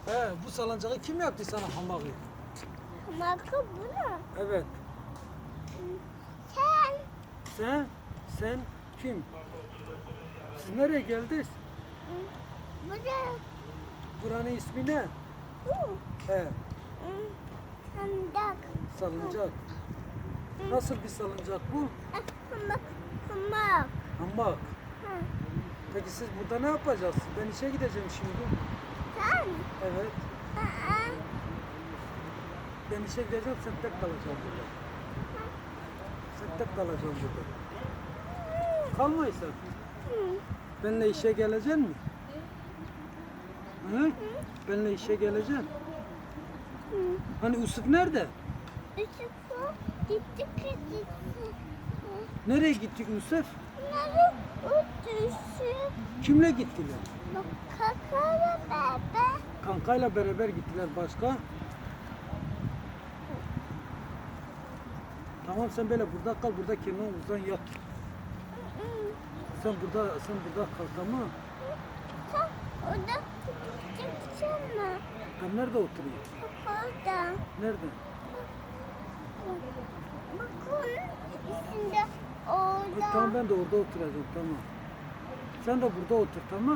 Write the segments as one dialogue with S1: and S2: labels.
S1: Bu salıncağı kim yaptı sana hamağı?
S2: Hamakı bu mu?
S1: Evet.
S2: Sen.
S1: Sen kim? Siz nereye geldiniz?
S2: Bu da
S1: Buranın ismi ne?
S2: bu.
S1: He,
S2: Sandak.
S1: salıncak. Nasıl bir salıncak bu?
S2: Hamak. Hamak.
S1: Hamak.
S2: Ha.
S1: Peki siz burada ne yapacaksınız? Ben işe gideceğim şimdi.
S2: Sen.
S1: Evet.
S2: Aa.
S1: Ben işe gideceğim, sen tek kalacaksın burada. Sen tek kalacaksın burada. Kalmaysan. Benimle işe geleceksin mi? Hı? Benimle işe geleceksin. Hani Yusuf nerede?
S2: Yusuf'u gitti gitti.
S1: Nereye gitti Yusuf?
S2: Bunları uçuşu.
S1: Kimle gittiler?
S2: Bak kakara bebe.
S1: Kankayla beraber gittiler başka. Tamam sen böyle burada kal, burada kenar uzan yat. Sen burada kal, tamam.
S2: Sen orada çıksana.
S1: Ben nerede oturayım?
S2: Bak orada.
S1: Nerede?
S2: Bak onun üstünde orada.
S1: Tamam ben de orada oturacağım, tamam. Sen de burada otur, tamam.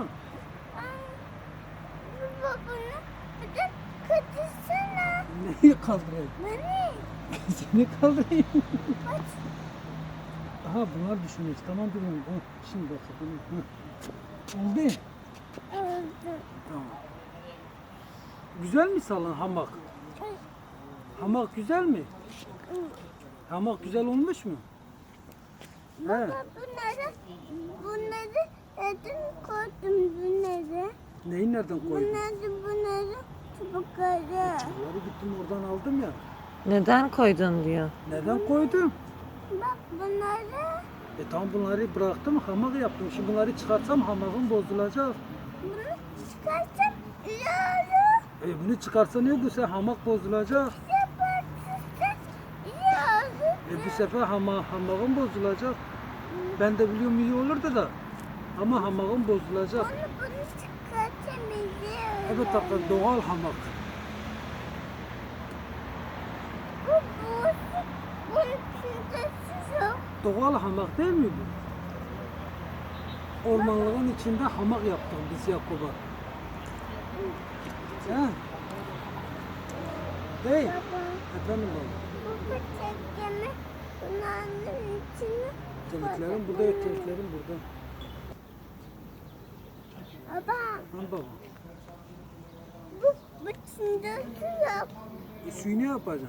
S2: Baba bunu burada katırsana.
S1: Neyi kaldırayım?
S2: Beni.
S1: Seni kaldırayım.
S2: Bak.
S1: Aha bunlar düşünüyoruz, tamam bilmiyorum. Şimdi bakalım. Oldu.
S2: Oldu.
S1: Tamam. Güzel mi salon hamak? Hamak güzel mi? Hamak güzel olmuş mu? He.
S2: Baba bunları neden koydum bunları?
S1: Neyi nereden koydun?
S2: Bunları çubukları.
S1: Bunları gittim oradan aldım ya.
S3: Neden koydun diyor.
S1: Neden koydum?
S2: Bak bunları.
S1: Tamam bunları bıraktım, hamak yaptım. Şimdi bunları çıkarsam hamakım bozulacak.
S2: Bunu çıkarsam yarı.
S1: Bunu çıkarsa ne bu sefer hamak bozulacak.
S2: Yaparsın yarı.
S1: Bu sefer hamakım bozulacak. Ben de biliyorum iyi olurdu da. Ama hamakım bozulacak.
S2: Bunu çıkartamayacağım.
S1: Evet tabii doğal hamak.
S2: Bunun içinde su yok.
S1: Doğal hamak değil mi bu? Ormanlığın içinde hamak yaptık biz Yakup'a. He? Değil. Efendim baba.
S2: Bu çekimi bunların içine
S1: Teliklerim burada, teliklerim burada.
S2: Baba
S1: Al baba.
S2: bu içinde su yok.
S1: Suyu ne yapacaksın?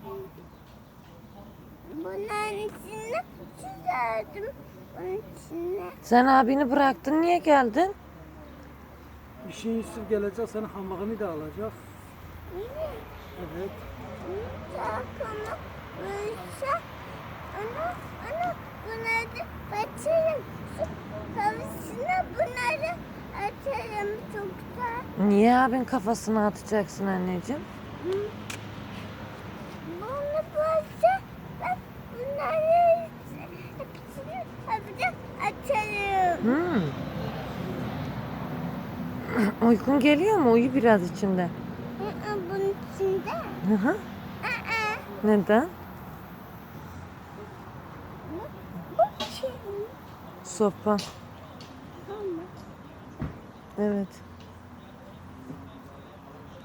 S2: Bunların içine su verdim. Bunun içine.
S3: Sen abini bıraktın, niye geldin?
S1: İşin Yusuf gelecek, senin hamakını da alacak. Evet.
S2: Çakama uysa onu bunları kaçırırım. Su kavusuna bunları atarım çoktan.
S3: Niye abin kafasına atacaksın anneciğim?
S2: Bunu bulsa ben bunları hepsini hafiften atarım.
S3: Uykun geliyor mu? Uyu biraz içinde.
S2: Bunun içinde.
S3: Hı hı. Neden?
S2: Bu şey.
S3: Sopa.
S2: Ama
S3: Evet.